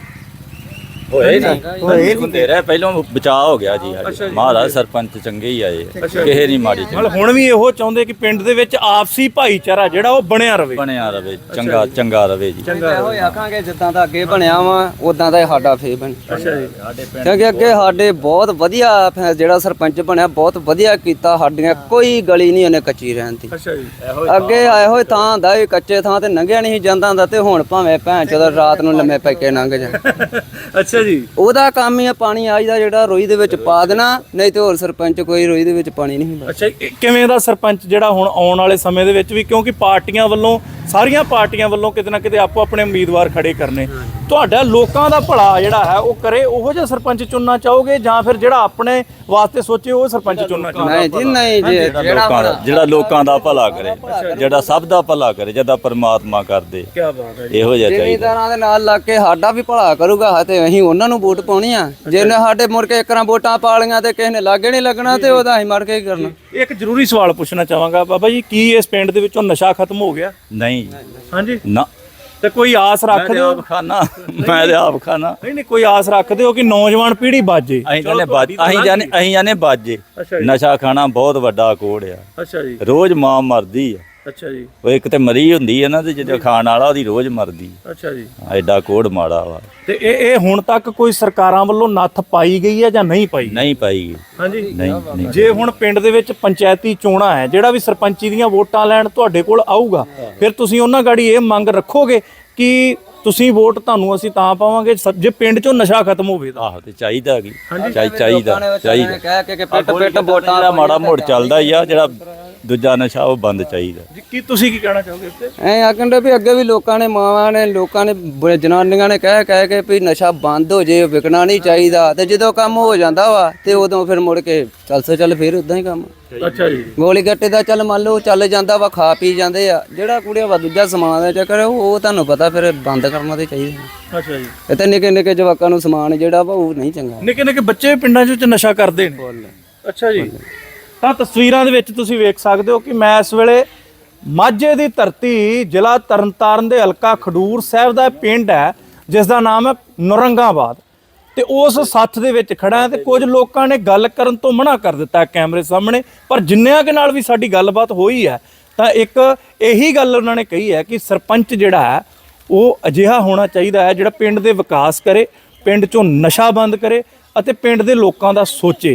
[SPEAKER 6] ਹੋਏ ਨਹੀਂ ਹੁੰਦੇ ਰਹੇ, ਪਹਿਲਾਂ ਬਚਾਅ ਹੋ ਗਿਆ ਜੀ ਸਾਡੇ। ਮਹਾਰਾਜ ਸਰਪੰਚ ਚੰਗੇ ਹੀ ਆਏ, ਕਿਸੇ ਨਹੀਂ ਮਾੜੀ ਚੰਗੀ
[SPEAKER 5] ਮਤਲਬ ਹੁਣ ਵੀ ਇਹੋ ਚਾਹੁੰਦੇ ਕਿ ਪਿੰਡ ਦੇ ਵਿੱਚ ਆਪਸੀ ਭਾਈਚਾਰਾ ਜਿਹੜਾ ਉਹ ਬਣਿਆ ਰਵੇ।
[SPEAKER 6] ਬਣਿਆ ਰਵੇ, ਚੰਗਾ ਰਵੇ ਜੀ।
[SPEAKER 7] ਇਹੋ ਹੀ ਆਖਾਂਗੇ ਜਿੱਦਾਂ ਦਾ ਅੱਗੇ ਬਣਿਆ ਵਾ ਉਦਾਂ ਦਾ ਹੀ ਸਾਡਾ ਫੇਰ ਬਣ।
[SPEAKER 5] ਅੱਛਾ ਜੀ,
[SPEAKER 7] ਕਿਉਂਕਿ ਅੱਗੇ ਸਾਡੇ ਬਹੁਤ ਵਧੀਆ ਜਿਹੜਾ ਸਰਪੰਚ ਬਣਿਆ ਬਹੁਤ ਵਧੀਆ ਕੀਤਾ, ਸਾਡੀਆਂ ਕੋਈ ਗਲੀ ਨਹੀਂ ਉਹਨੇ ਕੱਚੀ ਰਹਿਣ ਦੀ।
[SPEAKER 5] ਅੱਛਾ ਜੀ,
[SPEAKER 7] ਅੱਗੇ ਇਹੋ ਹੀ ਥਾਂ ਹੁੰਦਾ ਸੀ, ਕੱਚੇ ਥਾਂ ਤੇ ਲੰਘਿਆ ਨਹੀਂ ਸੀ ਜਾਂਦਾ ਹੁੰਦਾ, ਤੇ ਹੁਣ ਭਾਵੇਂ ਭੈਣ ਚੋਦ ਰਾਤ ਨੂੰ ਲੰਮੇ ਪੈ ਕੇ ਲੰਘ ਜਾ।
[SPEAKER 5] ਅੱਛਾ ਜੀ,
[SPEAKER 7] ਉਹਦਾ ਕੰਮ ਹੀ ਆ ਪਾਣੀ ਆਈਦਾ ਜਿਹੜਾ ਰੋਈ ਦੇ ਵਿੱਚ ਪਾ ਦੇਣਾ, ਨਹੀਂ ਤੇ ਹੋਰ ਸਰਪੰਚ ਕੋਈ ਰੋਈ ਦੇ ਵਿੱਚ ਪਾਣੀ ਨਹੀਂ ਹੁੰਦਾ।
[SPEAKER 5] ਅੱਛਾ, ਕਿਵੇਂ ਦਾ ਸਰਪੰਚ ਜਿਹੜਾ ਹੁਣ ਆਉਣ ਵਾਲੇ ਸਮੇਂ ਦੇ ਵਿੱਚ ਵੀ, ਕਿਉਂਕਿ ਪਾਰਟੀਆਂ ਵੱਲੋਂ, ਸਾਰੀਆਂ ਪਾਰਟੀਆਂ ਵੱਲੋਂ ਕਿਤੇ ਨਾ ਕਿਤੇ ਆਪੋ ਆਪਣੇ ਉਮੀਦਵਾਰ ਖੜੇ ਕਰਨੇ, ਤੁਹਾਡਾ ਲੋਕਾਂ ਦਾ ਭਲਾ ਜਿਹੜਾ ਹੈ ਉਹ ਕਰੇ, ਉਹੋ ਜਿਹਾ ਸਰਪੰਚ ਚੁਣਨਾ ਚਾਹੋਗੇ ਜਾਂ ਫਿਰ ਜਿਹੜਾ ਆਪਣੇ ਵਾਸਤੇ ਸੋਚੇ ਉਹ ਸਰਪੰਚ ਚੁਣਨਾ ਚਾਹੋਗੇ?
[SPEAKER 7] ਨਹੀਂ ਜੀ ਨਹੀਂ ਜੀ,
[SPEAKER 6] ਜਿਹੜਾ ਲੋਕਾਂ ਦਾ ਭਲਾ ਕਰੇ, ਜਿਹੜਾ ਸਭ ਦਾ ਭਲਾ ਕਰੇ, ਜਿਹਦਾ ਪਰਮਾਤਮਾ ਕਰਦੇ,
[SPEAKER 5] ਕੀ ਬਾਤ ਹੈ ਜੀ।
[SPEAKER 6] ਇਹੋ ਜਿਹਾ ਚਾਹੀਦਾ।
[SPEAKER 7] ਜ਼ਿਮੀਂਦਾਰਾਂ ਦੇ ਨਾਲ ਲੱਗ ਕੇ ਸਾਡਾ ਵੀ ਭਲਾ ਕਰੂਗਾ ਤੇ ਅਸੀਂ ਉਹਨਾਂ ਨੂੰ ਵੋਟ ਪਾਉਣੀ ਆ। ਜਿਹਨੇ ਸਾਡੇ ਮੁੜ ਕੇ ਇੱਕਰਾਂ ਵੋਟਾਂ ਪਾ ਲਈਆਂ ਤੇ ਕਿਸੇ ਨੇ ਲਾਗੇ ਨਹੀਂ ਲੱਗਣਾ ਤੇ ਉਹਦਾ ਅਸੀਂ ਮਰ ਕੇ ਕੀ ਕਰਨਾ।
[SPEAKER 5] ਇੱਕ ਜ਼ਰੂਰੀ ਸਵਾਲ ਪੁੱਛਣਾ ਚਾਹਾਂਗਾ ਬਾਬਾ ਜੀ, ਕੀ ਇਸ ਪਿੰਡ ਦੇ ਵਿੱਚੋਂ ਨਸ਼ਾ ਖਤਮ ਹੋ ਗਿਆ?
[SPEAKER 6] ਨਹੀਂ
[SPEAKER 5] ਹਾਂਜੀ,
[SPEAKER 6] ਨਾ,
[SPEAKER 5] ਤੇ ਕੋਈ ਆਸ ਰੱਖਦੇ ਹੋ?
[SPEAKER 6] ਖਾਣਾ ਮੈਂ ਤੇ ਆਪ ਖਾਣਾ।
[SPEAKER 5] ਨਹੀਂ, ਕੋਈ ਆਸ ਰੱਖਦੇ ਹੋ ਕਿ ਨੌਜਵਾਨ ਪੀੜ੍ਹੀ ਬਾਜੇ?
[SPEAKER 6] ਅਸੀਂ ਜਾਣੇ ਬਾਜੇ। ਨਸ਼ਾ ਖਾਣਾ ਬਹੁਤ ਵੱਡਾ ਕੋੜ ਆ।
[SPEAKER 5] ਅੱਛਾ ਜੀ,
[SPEAKER 6] ਰੋਜ਼ ਮਾਂ ਮਰਦੀ ਆ।
[SPEAKER 5] ਅੱਛਾ ਜੀ,
[SPEAKER 6] ਉਹ ਇੱਕ ਤੇ ਮਰੀ ਹੁੰਦੀ ਹੈ ਨਾ, ਤੇ ਜਿਹੜਾ ਖਾਣ ਵਾਲਾ ਉਹਦੀ ਰੋਜ਼ ਮਰਦੀ।
[SPEAKER 5] ਅੱਛਾ ਜੀ,
[SPEAKER 6] ਐਡਾ ਕੋੜ ਮਾੜਾ ਵਾ।
[SPEAKER 5] ਤੇ ਇਹ ਹੁਣ ਤੱਕ ਕੋਈ ਸਰਕਾਰਾਂ ਵੱਲੋਂ ਨੱਥ ਪਾਈ ਗਈ ਹੈ ਜਾਂ ਨਹੀਂ ਪਾਈ?
[SPEAKER 6] ਨਹੀਂ ਪਾਈ ਗਈ।
[SPEAKER 5] ਹਾਂਜੀ,
[SPEAKER 6] ਨਹੀਂ।
[SPEAKER 5] ਜੇ ਹੁਣ ਪਿੰਡ ਦੇ ਵਿੱਚ ਪੰਚਾਇਤੀ ਚੋਣਾਂ ਹੈ, ਜਿਹੜਾ ਵੀ ਸਰਪੰਚੀ ਦੀਆਂ ਵੋਟਾਂ ਲੈਣ ਤੁਹਾਡੇ ਕੋਲ ਆਊਗਾ, ਫਿਰ ਤੁਸੀਂ ਉਹਨਾਂ ਗਾੜੀ ਇਹ ਮੰਗ ਰੱਖੋਗੇ ਕਿ ਤੁਸੀਂ ਵੋਟ ਤੁਹਾਨੂੰ ਅਸੀਂ ਤਾਂ ਪਾਵਾਂਗੇ ਜੇ ਪਿੰਡ 'ਚੋਂ ਨਸ਼ਾ ਖਤਮ ਹੋਵੇ ਤਾਂ?
[SPEAKER 6] ਆਹੋ, ਤੇ ਚਾਹੀਦਾ ਕੀ
[SPEAKER 7] ਚਾਹੀਦਾ ਕਹਿ ਕੇ ਪਿੱਟ ਵੋਟਾਂ
[SPEAKER 6] ਦਾ ਮਾੜਾ ਮੋੜ ਚੱਲਦਾ ਹੀ ਆ, ਜਿਹੜਾ ਦੂਜਾ ਨਸ਼ਾ ਉਹ ਬੰਦ ਚਾਹੀਦਾ।
[SPEAKER 5] ਕੀ ਤੁਸੀਂ ਕੀ ਕਹਿਣਾ ਚਾਹੋਗੇ ਇਸ ਤੇ?
[SPEAKER 7] ਐ ਆਖਣ ਦੇ ਵੀ ਅੱਗੇ ਵੀ ਲੋਕਾਂ ਨੇ, ਮਾਵਾਂ ਨੇ, ਲੋਕਾਂ ਨੇ, ਜਨਾਨੀਆਂ ਨੇ ਕਹਿ ਕੇ ਵੀ ਨਸ਼ਾ ਬੰਦ ਹੋ ਜੇ, ਵਿਕਣਾ ਨਹੀਂ ਚਾਹੀਦਾ, ਤੇ ਜਦੋਂ ਕੰਮ ਹੋ ਜਾਂਦਾ ਵਾ ਤੇ ਉਦੋਂ ਫਿਰ ਮੁੜ ਕੇ ਚੱਲ ਫਿਰ ਉਦਾਂ ਹੀ ਕੰਮ।
[SPEAKER 5] ਅੱਛਾ ਜੀ,
[SPEAKER 7] ਗੋਲੀ ਗੱਟੇ ਦਾ ਚੱਲ ਮੰਨ ਲਓ ਚੱਲ ਜਾਂਦਾ ਵਾ, ਖਾ ਪੀ ਜਾਂਦੇ ਆ, ਜਿਹੜਾ ਕੁੜੀਆਂ ਵਾ ਦੂਜਾ ਸਮਾਨ ਦਾ ਚੱਕਰ ਉਹ ਤੁਹਾਨੂੰ ਪਤਾ ਫਿਰ ਬੰਦ ਕਰਨਾ ਤੇ ਚਾਹੀਦਾ।
[SPEAKER 5] ਅੱਛਾ ਜੀ,
[SPEAKER 7] ਇਹ ਤਾਂ ਨਿੱਕੇ ਨਿੱਕੇ ਜਵਾਕਾਂ ਨੂੰ ਸਮਾਨ ਜਿਹੜਾ ਵਾ ਉਹ ਨਹੀਂ ਚੰਗਾ।
[SPEAKER 5] ਨਿੱਕੇ ਨਿੱਕੇ ਬੱਚੇ ਪਿੰਡਾਂ 'ਚ ਨਸ਼ਾ ਕਰਦੇ ਨੇ? ਅੱਛਾ ਜੀ, ਤਾਂ ਤਸਵੀਰਾਂ ਦੇ ਵਿੱਚ ਤੁਸੀਂ ਵੇਖ ਸਕਦੇ ਹੋ ਕਿ ਮੈਂ ਇਸ ਵੇਲੇ ਮਾਝੇ ਦੀ ਧਰਤੀ, ਜ਼ਿਲ੍ਹਾ ਤਰਨਤਾਰਨ ਦੇ ਹਲਕਾ ਖਡੂਰ ਸਾਹਿਬ ਦਾ ਪਿੰਡ ਹੈ ਜਿਸ ਦਾ ਨਾਮ ਹੈ ਨੌਰੰਗਾਬਾਦ, ਤੇ ਉਸ ਸੱਥ ਦੇ ਵਿੱਚ ਖੜਾ ਤੇ ਕੁਝ ਲੋਕਾਂ ਨੇ ਗੱਲ ਕਰਨ ਤੋਂ ਮਨਾ ਕਰ ਦਿੱਤਾ ਕੈਮਰੇ ਸਾਹਮਣੇ, ਪਰ ਜਿੰਨਿਆਂ ਕੇ ਨਾਲ ਵੀ ਸਾਡੀ ਗੱਲਬਾਤ ਹੋਈ ਹੈ ਤਾਂ ਇੱਕ ਇਹੀ ਗੱਲ ਉਹਨਾਂ ਨੇ ਕਹੀ ਹੈ ਕਿ ਸਰਪੰਚ ਜਿਹੜਾ ਹੈ ਉਹ ਅਜਿਹਾ ਹੋਣਾ ਚਾਹੀਦਾ ਹੈ ਜਿਹੜਾ ਪਿੰਡ ਦੇ ਵਿਕਾਸ ਕਰੇ, ਪਿੰਡ 'ਚੋਂ ਨਸ਼ਾ ਬੰਦ ਕਰੇ ਅਤੇ ਪਿੰਡ ਦੇ ਲੋਕਾਂ ਦਾ ਸੋਚੇ।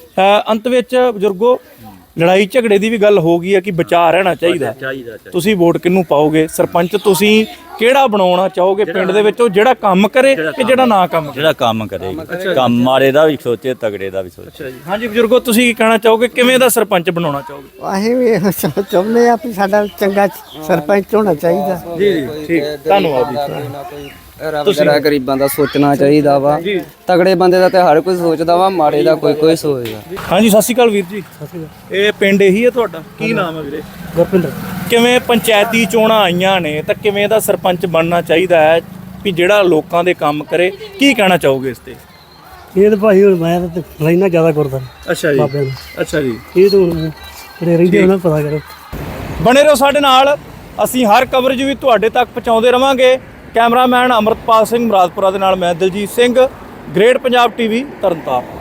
[SPEAKER 5] ਅੰਤ ਵਿੱਚ ਬਜ਼ੁਰਗੋ, ਲੜਾਈ ਝਗੜੇ ਦੀ ਵੀ ਗੱਲ ਹੋ ਗਈ ਹੈ ਕਿ ਬਚਾਅ ਰਹਿਣਾ ਚਾਹੀਦਾ। ਤੁਸੀਂ ਵੋਟ ਕਿਹਨੂੰ ਪਾਓਗੇ? ਸਰਪੰਚ ਤੁਸੀਂ ਕਿਹੜਾ ਬਣਾਉਣਾ ਚਾਹੋਗੇ ਪਿੰਡ ਦੇ ਵਿੱਚ, ਉਹ ਜਿਹੜਾ ਕੰਮ ਕਰੇ ਕਿ ਜਿਹੜਾ ਨਾ ਕੰਮ ਕਰੇ?
[SPEAKER 6] ਜਿਹੜਾ ਕੰਮ ਕਰੇਗਾ, ਕੰਮ ਮਾੜੇ ਦਾ ਵੀ ਸੋਚੇ, ਤਗੜੇ ਦਾ ਵੀ ਸੋਚੇ।
[SPEAKER 5] ਅੱਛਾ ਜੀ, ਹਾਂਜੀ ਬਜ਼ੁਰਗੋ, ਤੁਸੀਂ ਕੀ ਕਹਿਣਾ ਚਾਹੋਗੇ? ਕਿਵੇਂ ਦਾ ਸਰਪੰਚ ਬਣਾਉਣਾ ਚਾਹੋਗੇ?
[SPEAKER 4] ਅਸੀਂ ਵੀ ਇਹੋ ਚਾਹੁੰਦੇ ਆ ਵੀ ਸਾਡਾ ਚੰਗਾ ਸਰਪੰਚ ਹੋਣਾ ਚਾਹੀਦਾ।
[SPEAKER 5] ਜੀ ਜੀ, ਠੀਕ, ਧੰਨਵਾਦ ਜੀ।
[SPEAKER 7] ਰੱਬ ਦਾ ਗਰੀਬਾਂ ਦਾ ਸੋਚਣਾ ਚਾਹੀਦਾ ਵਾ, ਤਗੜੇ ਬੰਦੇ ਦਾ ਤੇ ਹਰ ਕੋਈ ਸੋਚਦਾ ਵਾ, ਮਾੜੇ ਦਾ ਕੋਈ ਸੋਚਦਾ।
[SPEAKER 5] ਹਾਂਜੀ, ਸਤਿ ਸ਼੍ਰੀ ਅਕਾਲ ਵੀਰ ਜੀ। ਇਹ ਪਿੰਡ ਇਹੀ ਹੈ ਤੁਹਾਡਾ? ਕੀ ਨਾਮ ਹੈ ਵੀਰੇ?
[SPEAKER 4] ਗੁਰਪਿੰਦਰ।
[SPEAKER 5] ਕਿਵੇਂ ਪੰਚਾਇਤੀ ਚੋਣਾਂ ਆਈਆਂ ਨੇ ਤਾਂ ਕਿਵੇਂ ਦਾ ਸਰਪੰਚ ਬਣਨਾ ਚਾਹੀਦਾ ਹੈ ਵੀ ਜਿਹੜਾ ਲੋਕਾਂ ਦੇ ਕੰਮ ਕਰੇ? ਕੀ ਕਹਿਣਾ ਚਾਹੋਗੇ ਇਸ ਤੇ?
[SPEAKER 8] ਇਹ ਤਾਂ ਭਾਈ ਹੁਣ ਮੈਂ ਤਾਂ ਲੈਣਾ ਜ਼ਿਆਦਾ ਕਰਦਾ
[SPEAKER 5] ਅੱਛਾ ਜੀ,
[SPEAKER 8] ਬਾਬਿਆਂ ਨੂੰ।
[SPEAKER 5] ਅੱਛਾ ਜੀ,
[SPEAKER 8] ਇਹ ਤਾਂ ਹੁਣ ਜਿਹੜੇ ਰਹਿੰਦੇ ਉਹਨਾਂ ਨੂੰ ਪਤਾ ਕਰੋ।
[SPEAKER 5] ਬਣੇ ਰਹੋ ਸਾਡੇ ਨਾਲ, ਅਸੀਂ ਹਰ ਕਵਰੇਜ ਵੀ ਤੁਹਾਡੇ ਤੱਕ ਪਹੁੰਚਾਉਂਦੇ ਰਵਾਂਗੇ। ਕੈਮਰਾਮੈਨ ਅਮਰਤਪਾਲ ਸਿੰਘ ਮੁਰਾਦਪੁਰਾ ਦੇ ਨਾਲ ਮੈਂ ਦਲਜੀਤ ਸਿੰਘ, ਗ੍ਰੇਟ ਪੰਜਾਬ ਟੀਵੀ ਤਰਨਤਾਰਨ।